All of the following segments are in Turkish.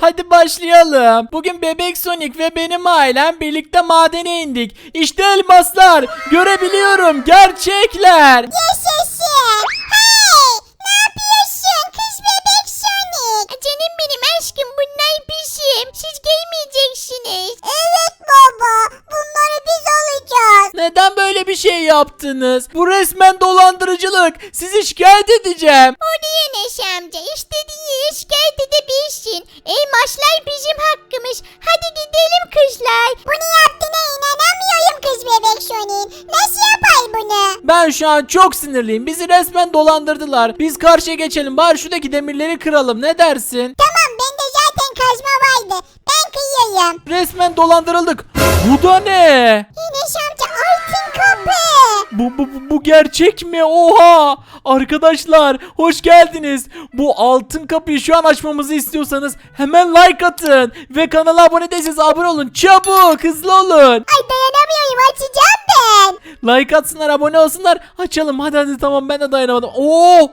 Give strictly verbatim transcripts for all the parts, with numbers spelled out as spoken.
hadi başlayalım. Bugün Bebek Sonic ve benim ailem birlikte madene indik. İşte elmaslar. Görebiliyorum. Gerçekler. Yaşasın. Hey, ne yapıyorsun kız bebek Sonic? Canım benim aşkım, bunlar bizim. Siz giymeyeceksiniz. Evet baba, bunları biz alacağız. Neden böyle bir şey yaptınız? Bu resmen dolandırıcılık. Sizi şikayet edeceğim. O diye Neşe amca, istediğin şikayet edebilirsin. Elmaslar bizim hakkımız. Hadi gidelim kızlar. Bunu yaptığına inanamıyorum kız bebek Sonic. Nasıl yapay bunu? Ben şu an çok sinirliyim. Bizi resmen dolandırdılar. Biz karşıya geçelim. Bari şuradaki demirleri kıralım. Ne dersin? Tamam, bende zaten kazma vardı. Ben kıyıyorum. Resmen dolandırıldık. Bu da ne? Neşe amca, altın kapı. Bu, bu, bu, bu gerçek mi? Oha! Arkadaşlar hoş geldiniz. Bu altın kapıyı şu an açmamızı istiyorsanız hemen like atın. Ve kanala abone değilseniz abone olun. Çabuk, hızlı olun. Ay, dayanamıyorum, açacağım ben. Like atsınlar, abone olsunlar. Açalım hadi hadi, tamam ben de dayanamadım. Oo!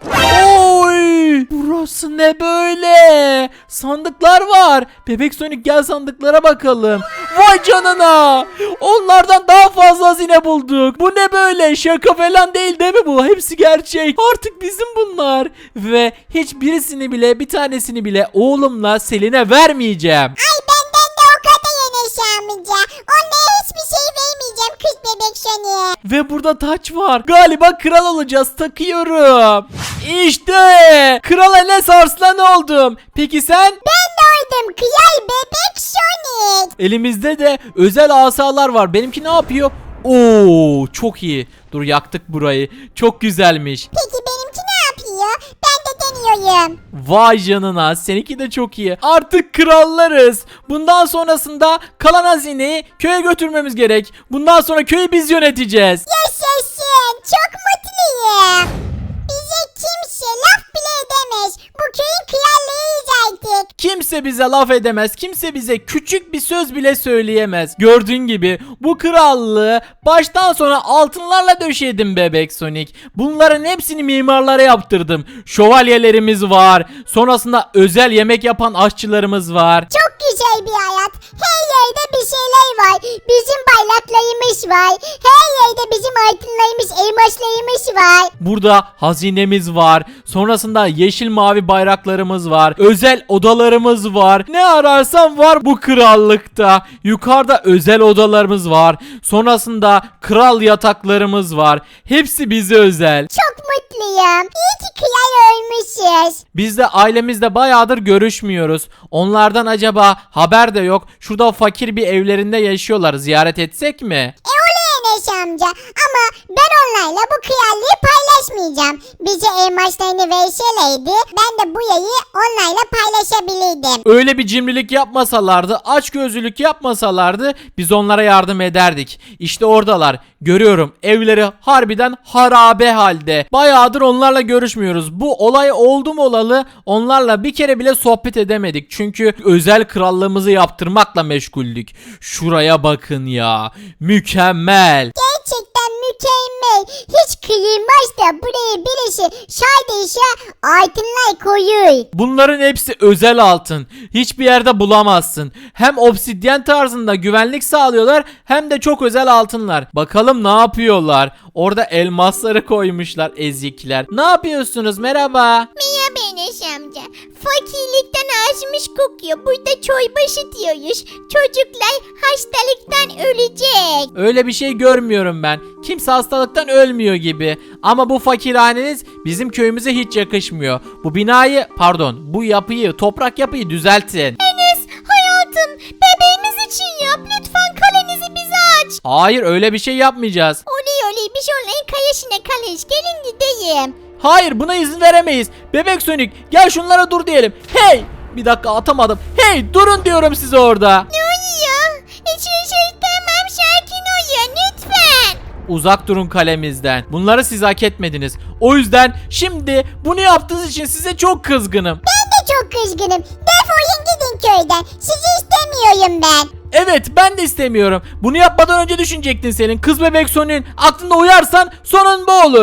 Oy! Burası ne böyle? Sandıklar var. Bebek Sonic gel sandıklara bakalım. Vay canına! Onlardan daha fazla hazine bulduk. Bu ne böyle? Şaka falan değil değil mi bu? Hepsi gerçek. Artık bizim bunlar. Ve hiçbirisini bile, bir tanesini bile oğlumla Selin'e vermeyeceğim. Ay, benden de o kadar ya Neşe amca. Onlara hiçbir şey vermeyeceğim kız bebek Sonic. Ve burada taç var. Galiba kral olacağız. Takıyorum. İşte Kral Enes Arslan oldum. Peki sen? Ben de oydum kıyay bebek Sonic. Elimizde de özel asalar var. Benimki ne yapıyor? Oo, çok iyi. Dur, yaktık burayı. Çok güzelmiş. Peki benimki ne yapıyor? Ben de deniyorum. Vay canına, seninki de çok iyi. Artık krallarız. Bundan sonrasında kalan hazineyi köye götürmemiz gerek. Bundan sonra köyü biz yöneteceğiz. Yaşasın. Çok mutluyum. Bize kimse laf bile edemez. Bu köyün krallığıyız artık. Kimse bize laf edemez. Kimse bize küçük bir söz bile söyleyemez. Gördüğün gibi bu krallığı baştan sona altınlarla döşedim Bebek Sonic. Bunların hepsini mimarlara yaptırdım. Şövalyelerimiz var. Sonrasında özel yemek yapan aşçılarımız var. Çok güzel bir hayat. Her yerde bir şeyler var. Bizim bayraklarımız var. Her yerde bizim altınlarımız, elmaslarımız var. Burada hazinemiz var. Sonrasında yeşil mavi bayraklarımız var. Özel odalarımız var. Ne ararsan var bu krallıkta. Yukarıda özel odalarımız var. Sonrasında kral yataklarımız var. Hepsi bize özel. Çok mutluyum. İyi ki kral ölmüşüz. Biz de ailemizle bayağıdır görüşmüyoruz. Onlardan acaba haber de yok. Şurada fakir bir evlerinde yaşıyorlar. Ziyaret etsek mi? E oluyor Enes amca. Ama ben onlarla bu krallığı paylaşmayacağım. Bize elmaslarını verselerdi ben de bu yayı onlarla paylaşabilirdim. Öyle bir cimrilik yapmasalardı, açgözlülük yapmasalardı biz onlara yardım ederdik. İşte oradalar. Görüyorum, evleri harbiden harabe halde. Bayağıdır onlarla görüşmüyoruz. Bu olay oldu mu olalı onlarla bir kere bile sohbet edemedik. Çünkü özel krallığımızı yaptırmakla meşguldük. Şuraya bakın ya. Mükemmel. Gerçekten mükemmel. Hiç kıyılmaz da buraya birisi sadece altınlar koyuyor. Bunların hepsi özel altın. Hiçbir yerde bulamazsın. Hem obsidyen tarzında güvenlik sağlıyorlar hem de çok özel altınlar. Bakalım ne yapıyorlar? Orada elmasları koymuşlar ezikler. Ne yapıyorsunuz? Merhaba. Merhaba Enes amca. Fakirlikten ağzımız kokuyor. Burada çorba ısıtıyoruz. Çocuklar hastalıktan ölecek. Öyle bir şey görmüyorum ben. Kimse hastalıktan ölmüyor gibi. Ama bu fakirhaneniz bizim köyümüze hiç yakışmıyor. Bu binayı, pardon, bu yapıyı, toprak yapıyı düzeltin. Enes, hayatım, bebeğimiz için yap. Lütfen kalenizi bize aç. Hayır, öyle bir şey yapmayacağız. Oluyor oluyor. Biz onların kayasına kalış. Gelin gideyim. Hayır, buna izin veremeyiz. Bebek Sonic gel şunlara dur diyelim. Hey! Bir dakika, atamadım. Hey, durun diyorum size orada. Ne oluyor? Hiçbir şey tamam, sakin olun lütfen. Uzak durun kalemizden. Bunları siz hak etmediniz. O yüzden şimdi bunu yaptığınız için size çok kızgınım. Ben de çok kızgınım. Defolun gidin köyden. Sizi istemiyorum ben. Evet, ben de istemiyorum. Bunu yapmadan önce düşünecektin senin. Kız Bebek Sonic'in aklında uyarsan sonun bu olur.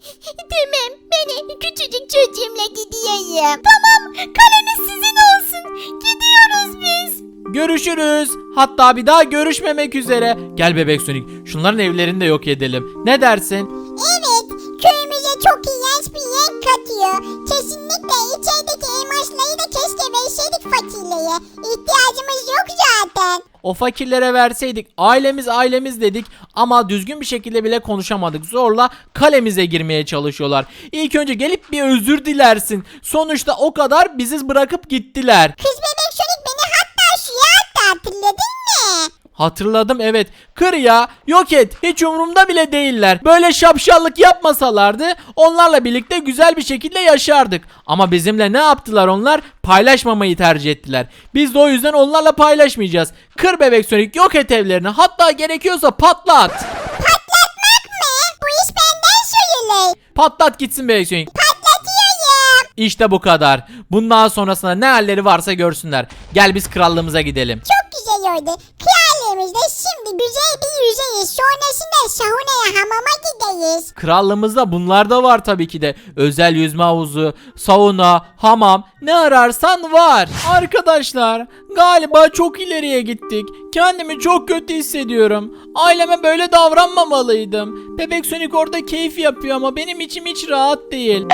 Tamam, beni küçücük çocuğumla gidiyorum. Tamam, kaleniz sizin olsun. Gidiyoruz. görüşürüz. Hatta bir daha görüşmemek üzere. Gel Bebek Sonic, şunların evlerini de yok edelim. Ne dersin? Evet, köyümüze çok iğrenç bir renk katıyor. Kesinlikle içerideki elmasları da keşke verseydik fakirliğe. İhtiyacımız yok zaten. O fakirlere verseydik, ailemiz ailemiz dedik ama düzgün bir şekilde bile konuşamadık. Zorla kalemize girmeye çalışıyorlar. İlk önce gelip bir özür dilersin. Sonuçta o kadar bizi bırakıp gittiler. Kız bebek Sonic beni hatta suya attı, hatırladın mı? Hatırladım, evet. Kır ya, yok et, hiç umurumda bile değiller. Böyle şapşallık yapmasalardı onlarla birlikte güzel bir şekilde yaşardık. Ama bizimle ne yaptılar onlar? Paylaşmamayı tercih ettiler. Biz de o yüzden onlarla paylaşmayacağız. Kır Bebek Sonic, yok et evlerini, hatta gerekiyorsa patlat. Patlatmak mı? Bu iş benden söylenir. Patlat gitsin Bebek Sonic. Patlatıyorum. İşte bu kadar. Bundan sonrasında ne halleri varsa görsünler. Gel biz krallığımıza gidelim. Çok güzel oldu. Krallığımızda şimdi güzel bir yüzeyiz. Sonrasında saunaya, hamama gideriz. Krallığımızda bunlar da var tabii ki de. Özel yüzme havuzu, sauna, hamam, ne ararsan var. Arkadaşlar, galiba çok ileriye gittik. Kendimi çok kötü hissediyorum. Aileme böyle davranmamalıydım. Bebek Sonic orada keyif yapıyor ama benim içim hiç rahat değil.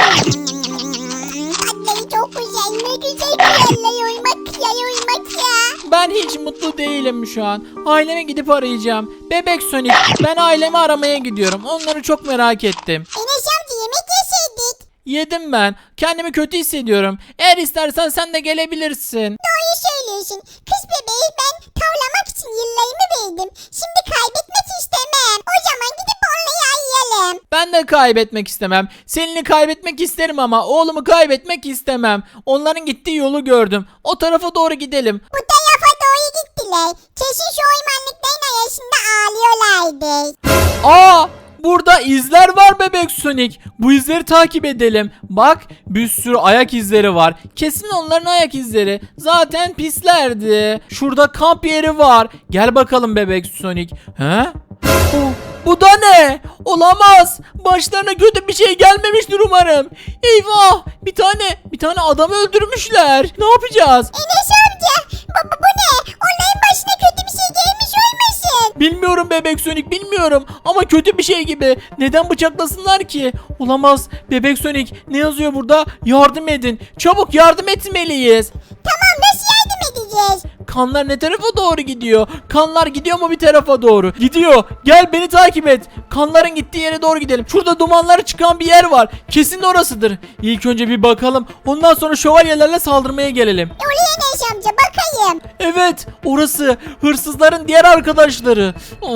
Tatları çok güzel. Ne güzel krallar oymak ya, oymak ya. Ben hiç mutlu değilim şu an. Aileme gidip arayacağım. Bebek Sonic, ben ailemi aramaya gidiyorum. Onları çok merak ettim. Enes amca yemek yeseydik. Yedim ben. Kendimi kötü hissediyorum. Eğer istersen sen de gelebilirsin. Doğru söylüyorsun. Kız bebeği ben tavlamak için yıllarımı verdim. Şimdi kaybetmek istemem. O zaman gidip onları arayalım. Ben de kaybetmek istemem. Selin'i kaybetmek isterim ama oğlumu kaybetmek istemem. Onların gittiği yolu gördüm. O tarafa doğru gidelim. Bu tarafa doğru gittiler. Kesin şu ormanlıkların arasında ağlıyorlardı. Aa! Burada izler var Bebek Sonic. Bu izleri takip edelim. Bak, bir sürü ayak izleri var. Kesin onların ayak izleri. Zaten pislerdi. Şurada kamp yeri var. Gel bakalım Bebek Sonic. He? Oh, bu da ne? Olamaz. Başlarına kötü bir şey gelmemiştir umarım. Eyvah! Bir tane bir tane adamı öldürmüşler. Ne yapacağız? Enes amca bu, bu, bu ne? Onların başına kötü bir şey gelmiş olmasın? Bilmiyorum Bebek Sonic, bilmiyorum ama kötü bir şey gibi. Neden bıçaklasınlar ki? Olamaz. Bebek Sonic, ne yazıyor burada? Yardım edin. Çabuk yardım etmeliyiz. Tamam, nasıl yardım edeceğiz? Kanlar ne tarafa doğru gidiyor? Kanlar gidiyor mu bir tarafa doğru? Gidiyor. Gel beni takip et. Kanların gittiği yere doğru gidelim. Şurada dumanları çıkan bir yer var. Kesin orasıdır. İlk önce bir bakalım. Ondan sonra şövalyelerle saldırmaya gelelim. Oraya Enes amca bakayım. Evet, orası. Hırsızların diğer arkadaşları.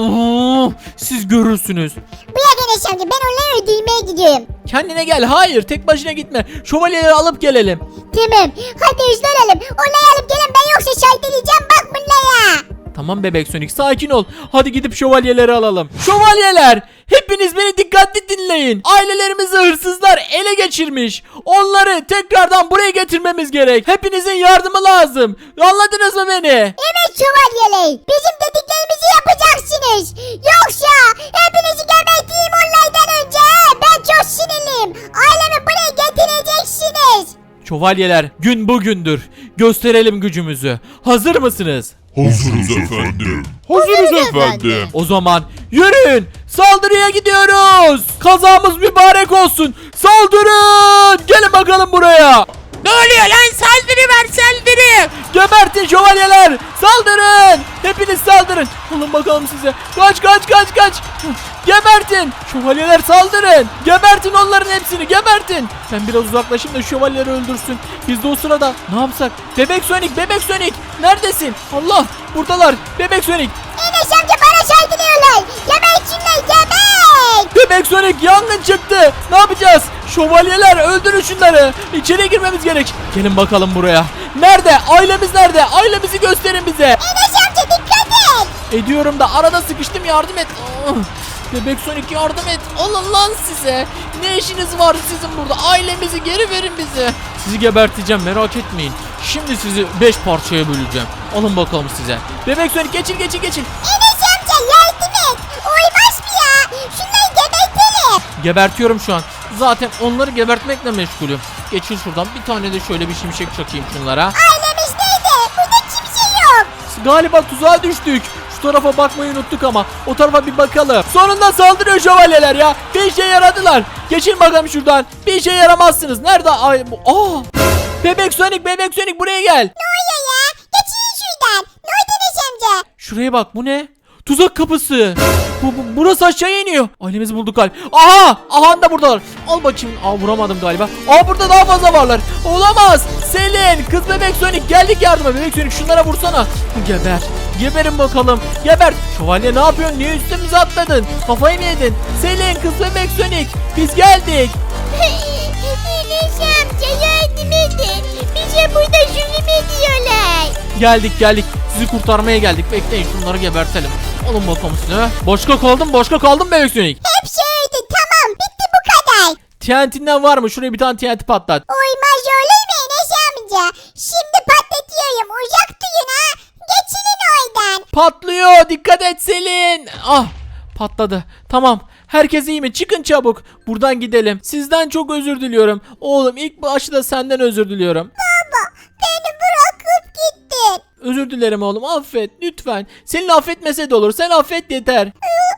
Oo, siz görürsünüz. Bırak Enes amca, ben onları öldürmeye gidiyorum. Kendine gel. Hayır, tek başına gitme. Şövalyeleri alıp gelelim. Tamam, hadi hızlanalım. Onları alıp gelin, ben yoksa şahit edeceğim bak bunlara. Tamam Bebek Sonic, sakin ol. Hadi gidip şövalyeleri alalım. Şövalyeler! Hepiniz beni dikkatli dinleyin. Ailelerimizi hırsızlar ele geçirmiş. Onları tekrardan buraya getirmemiz gerek. Hepinizin yardımı lazım. Anladınız mı beni? Evet şövalyeler, bizim dediklerimizi yapacaksınız. Yoksa hepinizi geberteyim onlardan önce. Ben çok sinirliyim. Ailemi buraya getireceksiniz. Şövalyeler, gün bugündür. Gösterelim gücümüzü. Hazır mısınız? Hazırız efendim. Hazırız efendim. O zaman yürüyün. Saldırıya gidiyoruz. Kazamız mübarek olsun. Saldırın. Gelin bakalım buraya. Ne oluyor lan, saldırı var saldırı. Gebertin şövalyeler. Saldırın. Hepiniz saldırın. Alın bakalım size. Kaç kaç kaç kaç. Gebertin. Şövalyeler saldırın. Gebertin onların hepsini. Gebertin. Ben biraz uzaklaşayım da şövalyeleri öldürsün. Biz de o sırada ne yapsak? Bebek Sonic, Bebek Sonic. Neredesin? Allah, buradalar. Bebek Sonic. Enes amca bana saydırıyorlar. Gebertinler, geber. Bebek Sonic, yangın çıktı. Ne yapacağız? Şövalyeler, öldürün şunları. İçeri girmemiz gerek. Gelin bakalım buraya. Nerede? Ailemiz nerede? Ailemizi gösterin bize. Enes amca dikkat et. Ediyorum da arada sıkıştım, yardım et. Oh. Bebek Sonic, yardım et. Alın lan size. Ne işiniz var sizin burada? Ailemizi geri verin bize. Sizi geberteceğim, merak etmeyin. Şimdi sizi beş parçaya böleceğim. Alın bakalım size. Bebek Sonic, geçin geçin geçin. Enes amca yardım et. Olmaz mı ya? Şunları gebertelim. Gebertiyorum şu an. Zaten onları gebertmekle meşgulüm. Geçin şuradan, bir tane de şöyle bir şimşek çakayım şunlara. Ailemiz nerede? Burada kimse yok. Galiba tuzağa düştük. Şu tarafa bakmayı unuttuk ama o tarafa bir bakalım. Sonunda saldırıyor şövalyeler ya. Bir işe yaradılar. Geçin bakalım şuradan. Bir işe yaramazsınız. Nerede? Ay, bu- aa! Bebek Sonic, Bebek Sonic buraya gel. Ne oluyor ya? Geçin şuradan. Ne oldu Enes amca? Şuraya bak, bu ne? Tuzak kapısı. Bu, bu burası aşağıya iniyor. Ailemizi bulduk galiba. Aha! Aha da buradalar. Al bakayım. Aa, vuramadım galiba. Aa, burada daha fazla varlar. Olamaz. Selin, kız Bebek Sonic, geldik yardıma. Bebek Sonic şunlara vursana. Geber. Geberin bakalım. Geber. Şövalye ne yapıyorsun? Niye üstümüze atladın? Kafayı mı yedin? Selin, kız Bebek Sonic, biz geldik. Enes amca yardım edin. Bize burada zulüm ediyorlar. Geldik geldik. Sizi kurtarmaya geldik. Bekleyin, şunları gebertelim. Alın bakalım size. Başka kaldım, başka kaldım Bebek Sonic. Hepsi öldü, tamam, bitti bu kadar. T N T'den var mı? Şuraya bir tane T N T patlat. Uymaz olur mu Enes amca? Şimdi patlatıyorum, uzak durun ha. Geçinin oradan. Patlıyor. Dikkat et Selin. Ah, patladı. Tamam. Herkes iyi mi? Çıkın çabuk. Buradan gidelim. Sizden çok özür diliyorum. Oğlum, ilk başta senden özür diliyorum. Baba, beni bırakıp gittin. Özür dilerim oğlum. Affet lütfen. Selin affetmese de olur. Sen affet yeter.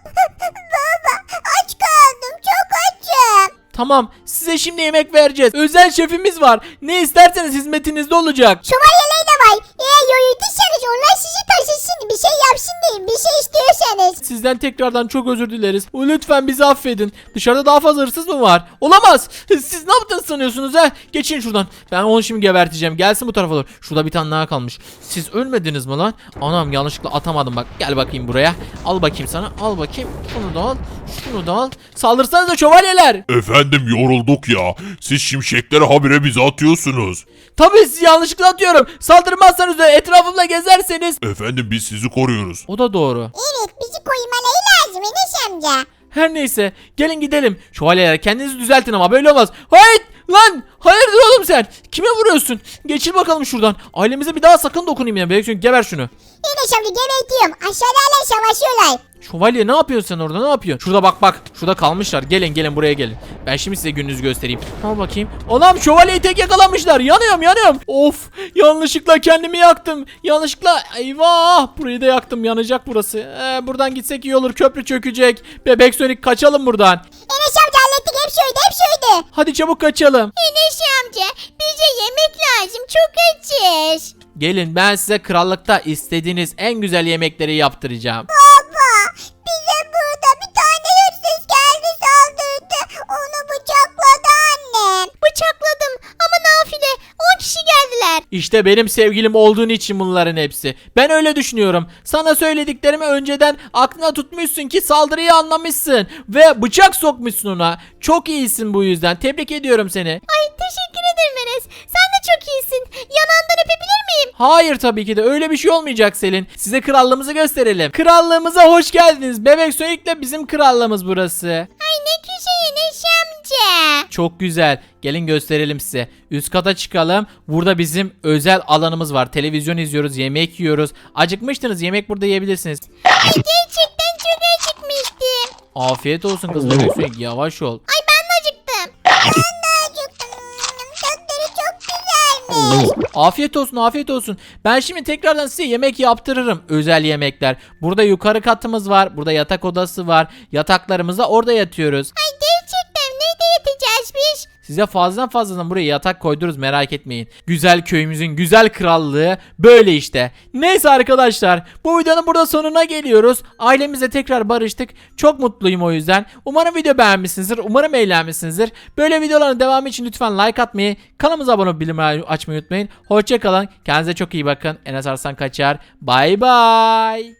Baba, aç kaldım, çok açım. Tamam. Size şimdi yemek vereceğiz. Özel şefimiz var. Ne isterseniz hizmetinizde olacak. Şövalyeler de var. Eğer yorulduysanız onlar sizi taşısın, bir şey yapsın deyin, bir şey istiyorsanız. Sizden tekrardan çok özür dileriz. Lütfen bizi affedin. Dışarıda daha fazla hırsız mı var? Olamaz. Siz ne yaptınız sanıyorsunuz ha? Geçin şuradan. Ben onu şimdi geberteceğim. Gelsin bu tarafa doğru. Şurada bir tane daha kalmış. Siz ölmediniz mi lan? Anam, yanlışlıkla atamadım bak. Gel bakayım buraya. Al bakayım sana. Al bakayım. Şunu da al. Şunu da al. Saldırsanıza şövalyeler. Efendim yorulduk ya. Siz şimşekleri habire bize atıyorsunuz. Tabii sizi yanlışlıkla atıyorum. Saldırmazsanız ve etrafımda gezerseniz. Efendim biz sizi koruyoruz. O da doğru. Evet, bizi koymaları lazım Enes amca. Her neyse, gelin gidelim. Şövalyeler, kendinizi düzeltin ama böyle olmaz. Hayır lan, hayırdır oğlum sen? Kime vuruyorsun? Geçil bakalım şuradan. Ailemize bir daha sakın dokunayım ya. Belki geber şunu. Enes amca gebertiyorum. Aşağıdalar savaşıyorlar. Şövalye, ne yapıyorsun sen orada, ne yapıyorsun? Şurada bak bak. Şurada kalmışlar. Gelin gelin buraya gelin. Ben şimdi size gününüzü göstereyim. Al bakayım. Anam, şövalyeyi tek yakalamışlar. Yanıyorum yanıyorum. Of, yanlışlıkla kendimi yaktım. Yanlışlıkla, eyvah. Burayı da yaktım, yanacak burası. Ee, buradan gitsek iyi olur, köprü çökecek. Bebek Sonic, kaçalım buradan. Enes amca hallettik, hepsi öldü, hepsi öldü. Hadi çabuk kaçalım. Enes amca, bize yemek lazım, çok açız. Gelin, ben size krallıkta istediğiniz en güzel yemekleri yaptıracağım. Baba, bize burada bir tane hırsız geldi, saldırdı. Onu bıçakladı annem. Bıçakladım ama nafile, on kişi geldiler. İşte benim sevgilim olduğun için bunların hepsi. Ben öyle düşünüyorum. Sana söylediklerimi önceden aklına tutmuşsun ki saldırıyı anlamışsın. Ve bıçak sokmuşsun ona. Çok iyisin bu yüzden. Tebrik ediyorum seni. Ay, teşekkür ederim Enes. Sen de çok iyisin. Yanağından öpebilir miyim? Hayır, tabii ki de öyle bir şey olmayacak Selin. Size krallığımızı gösterelim. Krallığımıza hoş geldiniz. Bebek Sonic'le bizim krallığımız burası. Ay, ne güzel Enes amca. Çok güzel. Gelin gösterelim size. Üst kata çıkalım. Burada bizim özel alanımız var. Televizyon izliyoruz, yemek yiyoruz. Acıkmıştınız, yemek burada yiyebilirsiniz. Ay, gerçekten çok acıkmıştım. Afiyet olsun kız Bebek Sonic. Yavaş ol. Ay, ben de acıktım. Ben de acıktım. Tatları çok güzelmiş. Afiyet olsun, afiyet olsun. Ben şimdi tekrardan size yemek yaptırırım. Özel yemekler. Burada yukarı katımız var. Burada yatak odası var. Yataklarımızda orada yatıyoruz. Ay, gerçekten nerede yatacağız biz? Size fazladan fazladan buraya yatak koyduruz, merak etmeyin. Güzel köyümüzün güzel krallığı böyle işte. Neyse arkadaşlar, bu videonun burada sonuna geliyoruz. Ailemizle tekrar barıştık. Çok mutluyum o yüzden. Umarım video beğenmişsinizdir. Umarım eğlenmişsinizdir. Böyle videoların devamı için lütfen like atmayı, kanalımıza abone olup bildirimleri açmayı unutmayın. Hoşçakalın. Kendinize çok iyi bakın. Enes Arslan Kaçar. Bay bay.